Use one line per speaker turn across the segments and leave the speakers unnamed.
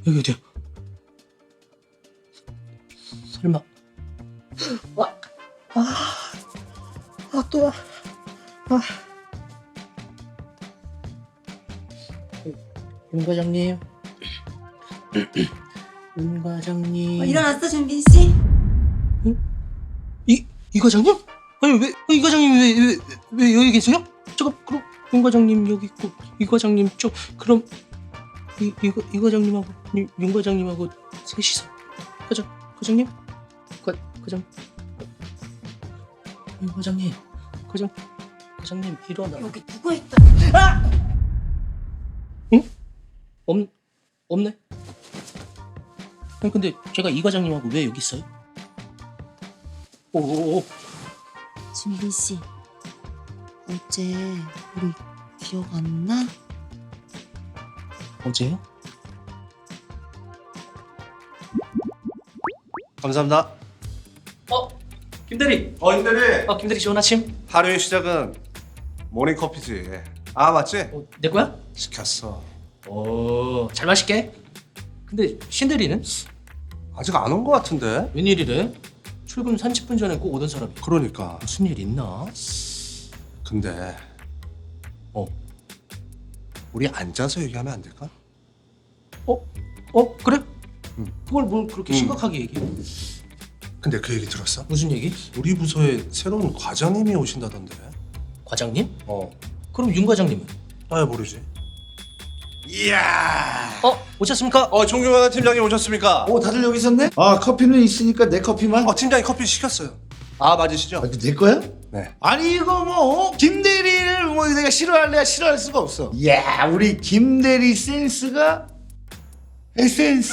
여기 어디야? 설마 또 윤 과장님 윤 과장님
일어났어, 준빈 씨?
이 과장님? 아니 왜 이 과장님 왜 여기 계세요? 잠깐 그럼 윤 과장님 여기 있고 이 과장님 그럼 이 과장님하고 윤 과장님하고 셋이서 과장님 윤 과장님 과장님 일어나.
여기 누가 있다?
응? 없네. 아니 근데 제가 이 과장님하고 왜 여기 있어요? 오.
준빈 씨, 어제 우리 기억 안 나?
어제요?
감사합니다.
김대리.
임대리.
김대리 좋은 아침.
하루의 시작은 모닝커피지. 아 맞지?
내 거야?
시켰어.
오, 잘 마실게. 근데 신대리는?
아직 안 온 거 같은데?
웬일이래? 출근 30분 전에 꼭 오던 사람이
그러니까.
무슨 일 있나?
근데 우리 앉아서 얘기하면 안 될까?
그래?
응.
그걸 뭘 그렇게
응.
심각하게 얘기해?
근데 그 얘기 들었어?
무슨 얘기?
우리 부서에 새로운 과장님이 오신다던데.
과장님?
어.
그럼 윤 과장님은?
아 모르지. 이야.
오셨습니까?
존경하는 팀장님 오셨습니까?
다들 여기 있었네? 커피는 있으니까 내 커피만.
팀장님 커피 시켰어요. 아 맞으시죠?
이거 내 거야?
네.
아니 이거 김대리를 내가 싫어할래야 싫어할 수가 없어. 이야 우리 김대리 센스가 에센스.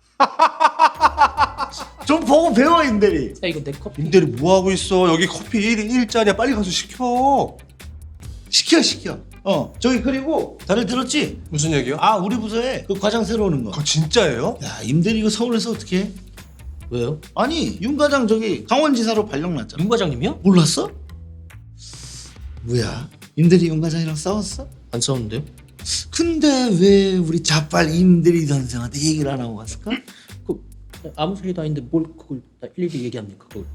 좀 보고 배워 임대리.
야 이거 내 커피.
임대리 뭐 하고 있어? 여기 커피 1짜리야. 빨리 가서 시켜.
시켜. 저기 그리고 다들 들었지?
무슨 얘기요?
우리 부서에 그 과장 새로 오는 거.
그거 진짜예요?
야 임대리 이거 서울에서 어떻게 해?
왜요?
아니 윤 과장 저기 강원지사로 발령났잖아.
윤 과장님이요?
몰랐어? 뭐야? 임대리 윤 과장이랑 싸웠어?
안 싸웠는데요?
근데 왜 우리 자빨 임대리 선생한테 얘기를 안 하고 갔을까?
아무 소리도 아닌데 뭘 그걸 다 일일이 얘기합니까? 그걸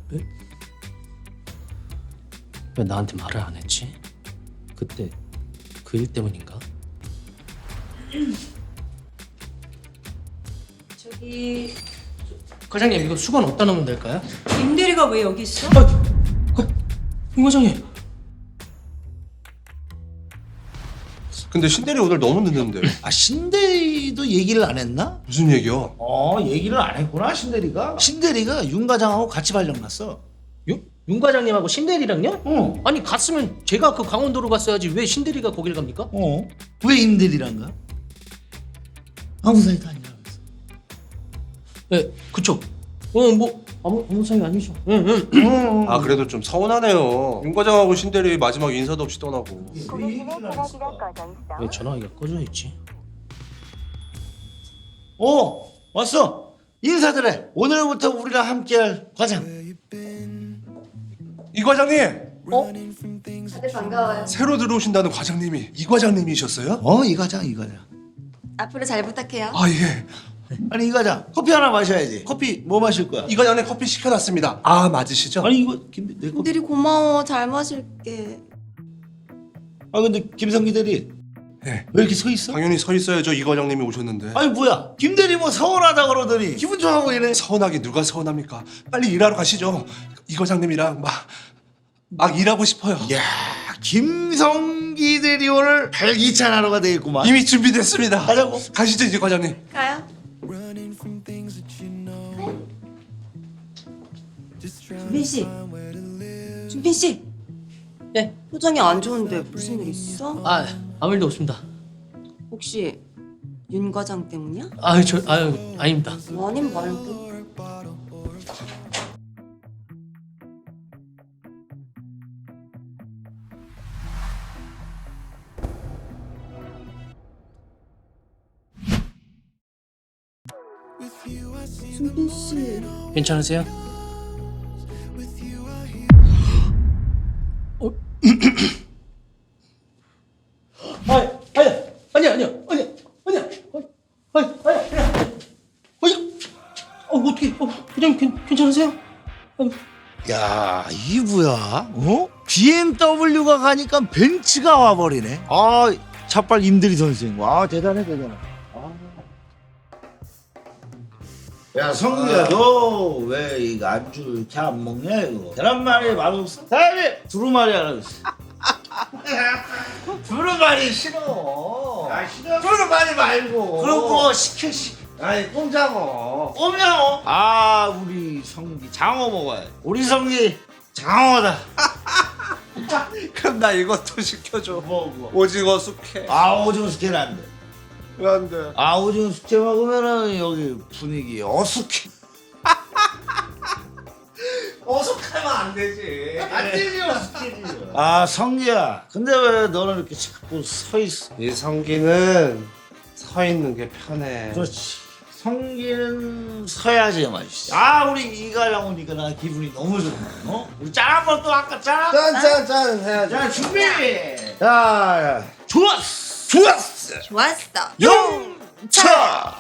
왜 나한테 말을 안 했지? 그때 그 일 때문인가?
저기
과장님 이거 수건 어디다 넣으면 될까요?
임대리가 왜 여기 있어?
윤 과장님
근데 신대리 오늘 너무 늦는데.
신대리도 얘기를 안 했나?
무슨 얘기요?
얘기를 안 했구나 신대리가. 신대리가 윤 과장하고 같이 발령났어.
윤 과장님하고 신대리랑요?
어.
아니 갔으면 제가 그 강원도로 갔어야지 왜 신대리가 거길 갑니까?
왜 임대리랑 가? 아무 사이도 아니라면서.
네, 그쵸. 뭐 아무 사이 아니죠. 응.
아 그래도 좀 서운하네요. 윤 과장하고 신대리 마지막 인사도 없이 떠나고.
왜 전화기가 꺼져 있지?
왔어. 인사드려. 오늘부터 우리랑 함께할 과장.
이 과장님
다들 반가워요.
새로 들어오신다는 과장님이 이 과장님이셨어요?
이 과장.
앞으로 잘 부탁해요.
아 예.
아니 이 과장 커피 하나 마셔야지. 커피 뭐 마실 거야?
이 과장님 커피 시켜놨습니다. 아 맞으시죠?
아니 이거 내 커피.
임대리 고마워. 잘 마실게.
근데 김성기 대리
네.
왜 이렇게 서 있어?
당연히 서 있어야죠. 이 과장님이 오셨는데.
아니 뭐야 김 대리 뭐 서운하다 그러더니 기분 좋아 보이네.
서운하게 누가 서운합니까? 빨리 일하러 가시죠. 이 과장님이랑 막 일하고 싶어요.
야 김성기 대리 오늘 발기찬 하루가 되겠구만.
이미 준비됐습니다.
가자고.
가시죠 이제 과장님.
가요. 준빈 씨.
예.
표정이 안 좋은데 무슨 일 있어?
아무 일도 없습니다.
혹시 윤 과장 때문이야?
아닙니다.
아님 말고. 준빈 씨.
괜찮으세요? 아니야.
야, 이게 뭐야? 어? BMW가 가니까 벤츠가 와버리네. 아, 차빨 임대리 선생. 와, 대단해, 대단해. 아. 야, 성규야, 너 왜 이거 안주 이렇게 안 먹냐, 이거? 계란말이 맛없어? 다음에 두루마리 하나 줬어. 두루마리 싫어. 아, 싫어. 두루마리 말고. 그럼 뭐 시켜, 아니, 꼼장어. 꼼장어? 아, 우리 성기 장어 먹어야 돼. 우리 성기 장어다.
그럼 나 이것도 시켜줘.
뭐.
오징어 숙회.
아, 오징어 숙회는 안 돼.
왜 안 돼?
아, 오징어 숙회 먹으면은 여기 분위기 어숙해.
어숙하면 안 되지.
안 되지, 어숙해지. 아, 성기야. 근데 왜 너는 이렇게 자꾸 서 있어?
이 성기는 서 있는 게 편해.
그렇지. 성기는 서야지 맛있어. 아, 우리 이가랑 오니까 나 기분이 너무 좋네. 어? 우리 짠 한번 또 아까 짠.
짠짠짠 해야지.
자, 준비. 자, 좋았어. 좋았어.
좋았어.
용차.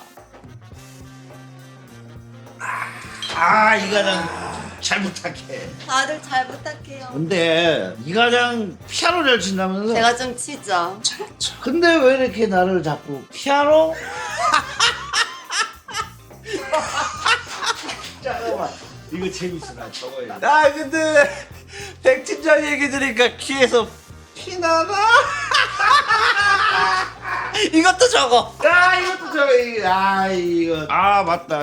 아, 이가랑 잘 부탁해.
다들 잘 부탁해요.
근데 이가랑 피아노를 친다면서?
제가 좀 치죠.
근데 왜 이렇게 나를 자꾸 피아노? 잠깐만, 이거 재밌어. 나 적어야 돼.
아 근데 백 팀장 얘기 들으니까 귀에서 피 나나? 이것도 적어.
아, 이것도 저거. 이거. 아, 맞다.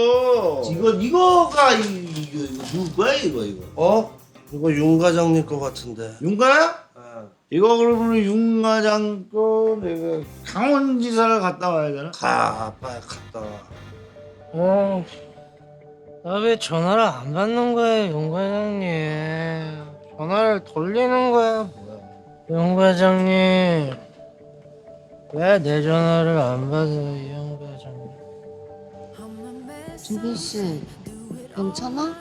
이거가 이거 누구야, 이거.
어? 이거 윤 과장님 거 같은데.
윤가야? 이거 그러면 윤 과장 거 내가 강원지사를 갔다 와야 되나?
가 빨리 갔다 와.
나 왜 전화를 안 받는 거야, 용 과장님? 전화를 돌리는 거야, 뭐야? 용 과장님, 왜 내 전화를 안 받아요, 용 과장님?
준빈 씨, 괜찮아?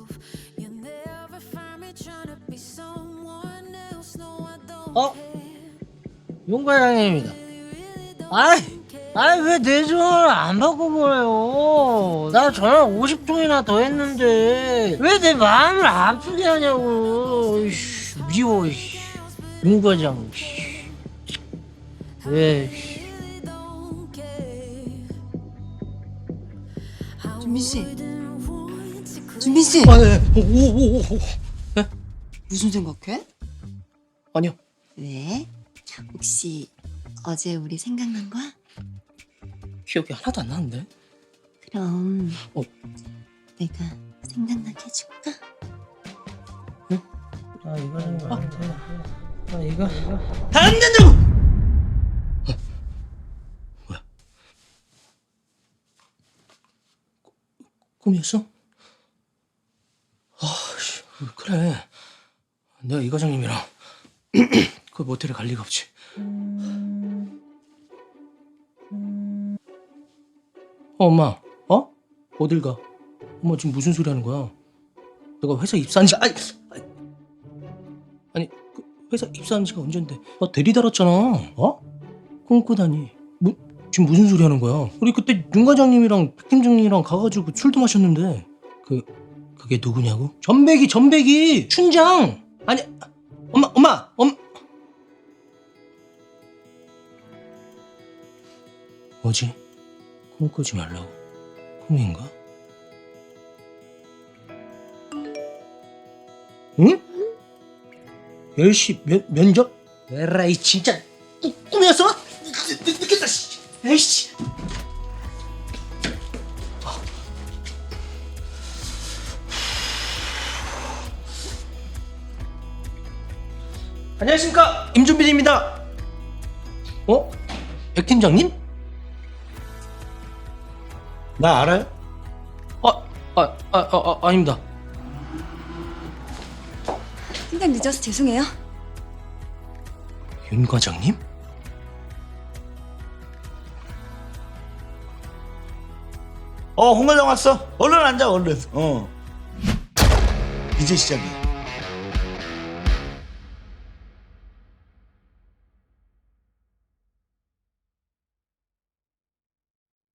용 과장님입니다. 왜 내 전화를 안 받고 그래요? 나 전화 50통이나 더 했는데 왜 내 마음을 아프게 하냐고. 이씨, 미워. 이씨. 용 과장. 이씨. 왜? 이씨.
준빈 씨. 준빈 씨.
오.
무슨 생각해?
아니요.
왜? 혹시 어제 우리 생각난 거야?
기억이 하나도 안 나는데.
그럼
내가
생각나게 해줄까?
이거 좀 이거
안 된다고. 뭐야? 꿈이었어? 그래. 내가 이 과장님이랑 그 모텔에 갈 리가 없지. 엄마, 어딜 가? 엄마 지금 무슨 소리 하는 거야? 내가 회사 입사한 지 아니 그 회사 입사한 지가 언젠데? 나 대리 달았잖아. 꿈꾸다니. 지금 무슨 소리 하는 거야? 우리 그때 윤 과장님이랑 백 팀장님이랑 가가지고 술도 마셨는데 그게 누구냐고? 전백이 춘장. 아니 엄마 뭐지? 꿈꾸지 말라고? 꿈인가? 응? 10시 면접? 에라이 진짜 꿈이었어? 늦겠다. 에이씨. 안녕하십니까, 임준빈입니다. 백 팀장님?
나 알아요?
아닙니다.
생각 늦어서 죄송해요.
윤 과장님?
홍 과장 왔어. 얼른 앉아, 얼른. 이제 시작이야.